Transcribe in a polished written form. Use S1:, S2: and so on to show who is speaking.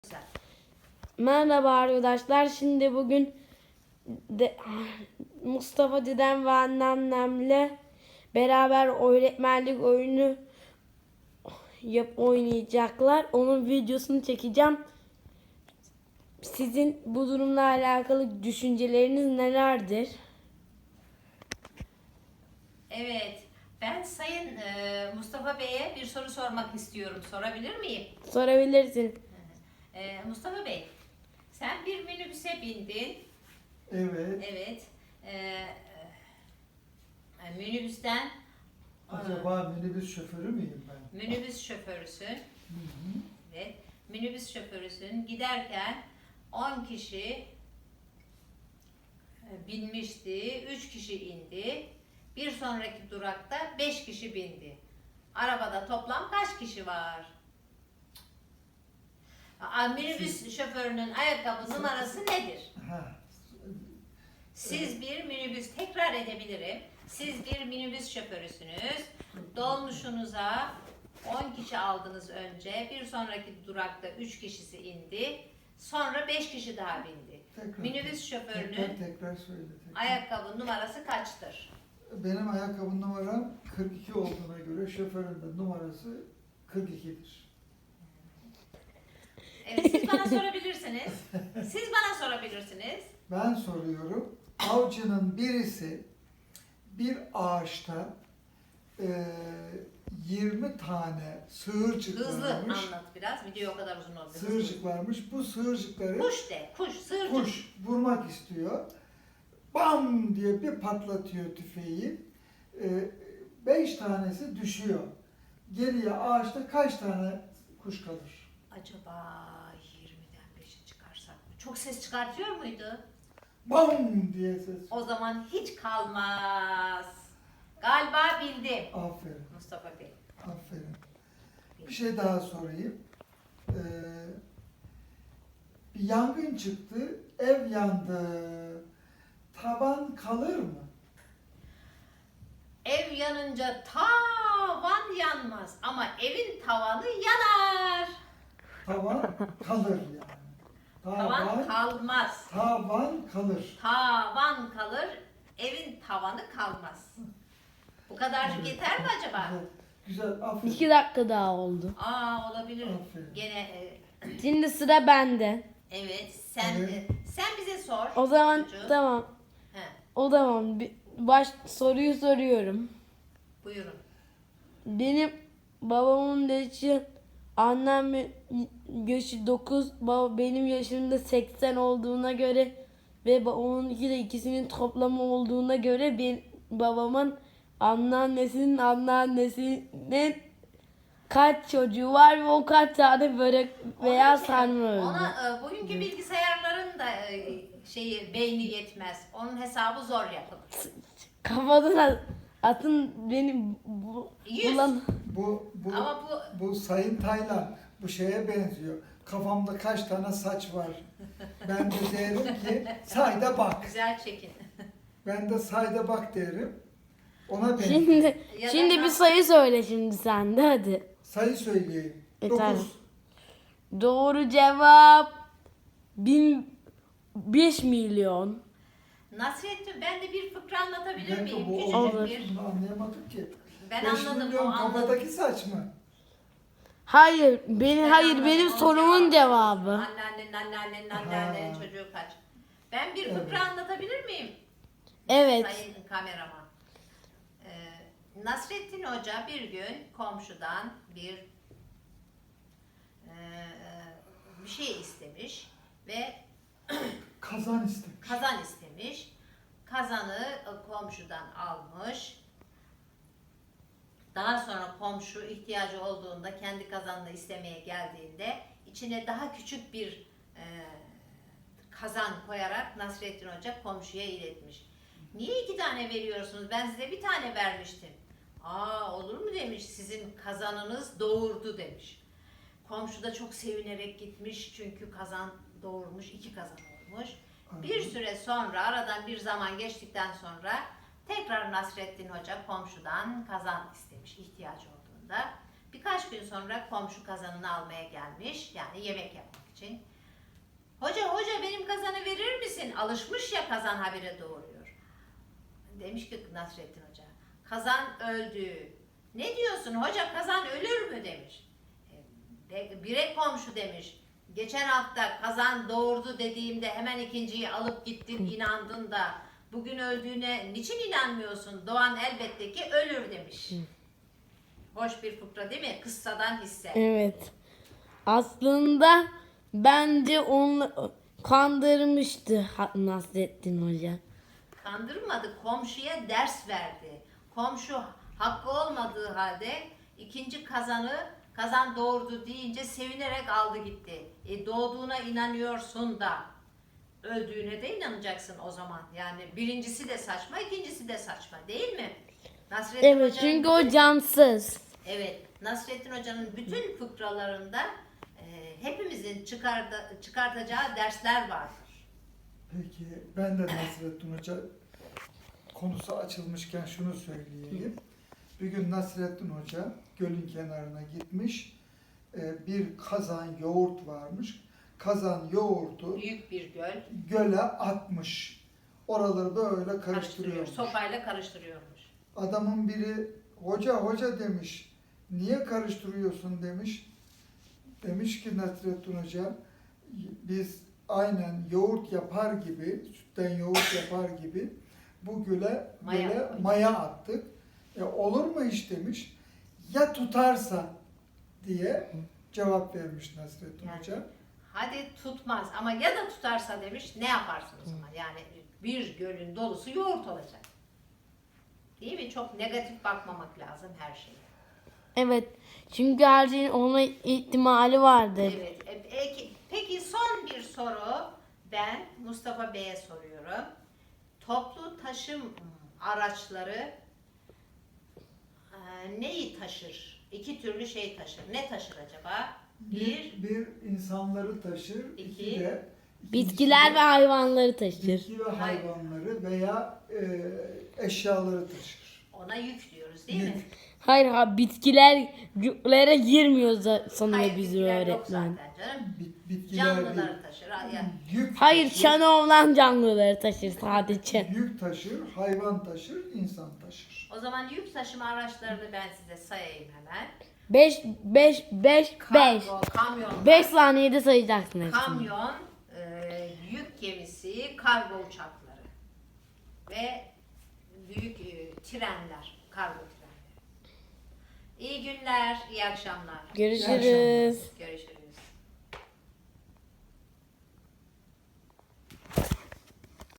S1: Güzel.
S2: Merhaba arkadaşlar. Şimdi bugün Mustafa dedem ve anneannemle beraber öğretmenlik oyunu oynayacaklar. Onun videosunu çekeceğim. Sizin bu durumla alakalı düşünceleriniz nelerdir?
S1: Evet, ben Sayın Mustafa Bey'e bir soru sormak istiyorum. Sorabilir miyim?
S2: Sorabilirsin.
S1: Mustafa Bey, sen bir minibüse bindin.
S3: Evet.
S1: Evet. Minibüsten
S3: Acaba minibüs şoförü müyüm ben?
S1: minibüs şoförüsün.
S3: Hı hı.
S1: Evet. Minibüs şoförüsün. Giderken 10 kişi binmişti. 3 kişi indi. Bir sonraki durakta 5 kişi bindi. Arabada toplam kaç kişi var? Minibüs şoförünün ayakkabı numarası nedir?
S3: Ha.
S1: Siz bir minibüs, tekrar edebilirim. Siz bir minibüs şoförüsünüz. Dolmuşunuza 10 kişi aldınız önce. Bir sonraki durakta 3 kişisi indi. Sonra 5 kişi daha bindi. Minibüs şoförünün
S3: tekrar söyle. Tekrar.
S1: ayakkabı numarası kaçtır?
S3: Benim ayakkabı numaram 42 olduğuna göre şoförün de numarası 42'dir.
S1: Evet, siz bana sorabilirsiniz. Siz bana sorabilirsiniz.
S3: Ben soruyorum. Avcının birisi bir ağaçta 20 tane sığırcık
S1: Hızlı
S3: varmış.
S1: anlat biraz. Video o kadar uzun oldu.
S3: Sığırcık varmış. Bu sığırcıkları
S1: Kuş de, kuş, sığırcık.
S3: kuş vurmak istiyor. Bam diye bir patlatıyor tüfeği. 5 tanesi düşüyor. Geriye ağaçta kaç tane kuş kalır?
S1: Acaba 20'den 5'e çıkarsak mı? Çok ses çıkartıyor muydu?
S3: Bam diye ses.
S1: O zaman hiç kalmaz. Galiba bildim.
S3: Aferin,
S1: Mustafa Bey.
S3: aferin. Bir şey daha sorayım. Bir yangın çıktı, ev yandı. Taban kalır mı?
S1: Ev yanınca tavan yanmaz ama evin tavanı yanar.
S3: Tavan kalır yani.
S1: Tavan kalmaz.
S3: Tavan kalır.
S1: Tavan kalır, evin tavanı kalmaz. Bu kadarcık
S3: Evet.
S1: yeter mi acaba?
S3: Güzel, güzel, aferin.
S2: 2 dakika daha oldu.
S1: Olabilir.
S3: Aferin.
S1: Gene
S2: Şimdi sıra bende.
S1: evet. Sen
S3: Evet.
S1: sen bize sor.
S2: O zaman
S1: çocuğum.
S2: tamam.
S1: He,
S2: O zaman soruyu soruyorum.
S1: buyurun.
S2: Benim babamın yaşı, annem yaşı 9, benim yaşım da 80 olduğuna göre ve babamın ikisinin toplamı olduğuna göre babamın anneannesinin kaç çocuğu var ve o kaç tane börek veya sarma öldü.
S1: Ona bugünkü bilgisayarların da beyni yetmez. Onun hesabı zor yapılır.
S2: Kafadan atın benim
S1: 100. Ama
S3: Bu Sayın Taylan bu şeye benziyor. Kafamda kaç tane saç var? Ben de derim ki sayda bak.
S1: güzel çekin.
S3: Ben de sayda bak derim. Ona benziyor.
S2: Şimdi
S1: Ya da
S2: şimdi bir
S1: nasıl-
S2: sayı söyle şimdi sen de hadi.
S3: Sayı söyleyeyim.
S2: Tamam.
S3: 9.
S2: Doğru cevap 5 milyon.
S1: Nasrettin, ben de bir fıkra anlatabilir
S3: Ben
S1: miyim?
S3: de bu
S1: Küçücük
S2: Olur.
S1: bir.
S3: Bunu anlayamadım ki.
S1: Ben
S3: 5
S1: anladım, o
S3: milyon
S1: anladım.
S3: kafadaki saç mı?
S2: Hayır,
S1: Ben
S2: hayır
S1: anladım,
S2: benim
S1: onun
S2: sorumun cevabı.
S1: Anneannenin çocuğu kaç? Ben bir fıkra
S3: Evet.
S1: anlatabilir miyim?
S2: Evet.
S1: Sayın kameraman. Nasrettin Hoca bir gün komşudan bir şey istemiş ve
S3: Kazan istemiş.
S1: kazan istemiş. Kazanı komşudan almış. Daha sonra komşu ihtiyacı olduğunda kendi kazanını istemeye geldiğinde içine daha küçük bir kazan koyarak Nasrettin Hoca komşuya iletmiş. Niye 2 tane veriyorsunuz? Ben size bir tane vermiştim. Olur mu demiş, sizin kazanınız doğurdu demiş. Komşu da çok sevinerek gitmiş çünkü kazan doğurmuş, 2 kazan olmuş. Bir süre sonra, aradan bir zaman geçtikten sonra tekrar Nasrettin Hoca komşudan kazan istemiş ihtiyacı olduğunda. Birkaç gün sonra komşu kazanını almaya gelmiş, yani yemek yapmak için. için. Hoca benim kazanı verir misin? Alışmış ya kazan habire doğuruyor. Demiş ki Nasrettin Hoca, kazan öldü. Ne diyorsun hoca, kazan ölür mü demiş. Bire komşu demiş. Geçen hafta kazan doğurdu dediğimde hemen ikinciyi alıp gittin, inandın da bugün öldüğüne niçin inanmıyorsun? Doğan elbette ki ölür demiş. Hoş bir fıkra değil mi? Kıssadan hisse.
S2: Evet. Aslında bence onu kandırmıştı Nasrettin Hoca.
S1: Kandırmadı, komşuya ders verdi. Komşu hakkı olmadığı halde ikinci kazan doğurdu deyince sevinerek aldı gitti. Doğduğuna inanıyorsun da öldüğüne de inanacaksın o zaman. Yani birincisi de saçma, ikincisi de saçma değil mi? Nasrettin
S2: Evet,
S1: Hoca'nın
S2: çünkü o cansız.
S1: Evet, Nasrettin Hoca'nın bütün fıkralarında hepimizin çıkartacağı dersler vardır.
S3: Peki ben de Nasrettin Hoca konusu açılmışken şunu söyleyeyim. Bir gün Nasrettin Hoca gölün kenarına gitmiş. Bir kazan yoğurt varmış. Kazan yoğurdu
S1: Büyük bir göl
S3: göle atmış. Oraları böyle
S1: karıştırıyor,
S3: karıştırıyormuş.
S1: sopayla karıştırıyormuş.
S3: Adamın biri hoca demiş. Niye karıştırıyorsun demiş. Demiş ki Nasrettin Hoca, biz aynen yoğurt yapar gibi, sütten yoğurt yapar gibi bu göle maya attık. Olur mu iş demiş. Ya tutarsa diye cevap vermiş Nasrettin
S1: Yani,
S3: Hoca.
S1: hadi tutmaz ama ya da tutarsa demiş, ne yaparsın o zaman? Yani bir gölün dolusu yoğurt olacak. Değil mi? Çok negatif bakmamak lazım her şeye.
S2: Evet. Çünkü her şeyin olma ihtimali vardır.
S1: Evet. Peki son bir soru ben Mustafa Bey'e soruyorum. Toplu taşım araçları neyi taşır? İki türlü şey taşır. Ne taşır acaba?
S3: Bir insanları taşır, iki de
S2: Bitkiler ve hayvanları taşır.
S3: bitki ve hayvanları veya eşyaları taşır.
S1: Ona yük diyoruz değil mi?
S3: Yük.
S2: Hayır, bitkiler yüklere girmiyor sanıyor
S1: Hayır,
S2: bizi
S1: bitkiler yok
S2: öğretmen.
S1: zaten canım.
S3: Bitkiler değil.
S1: Canlıları taşır. Yani
S3: Yük
S2: Hayır,
S3: taşır,
S2: çanoğlan canlıları taşır sadece.
S3: yük taşır, hayvan taşır, insan taşır.
S1: o zaman yük taşıma araçlarını ben size sayayım hemen.
S2: 5 5 5 5.
S1: Kamyon,
S2: 5 saniyede sayacaksın hepsini.
S1: kamyon, yük gemisi, kargo uçakları ve büyük trenler, kargo trenleri. İyi günler, iyi akşamlar.
S2: Görüşürüz.
S1: Görüşürüz.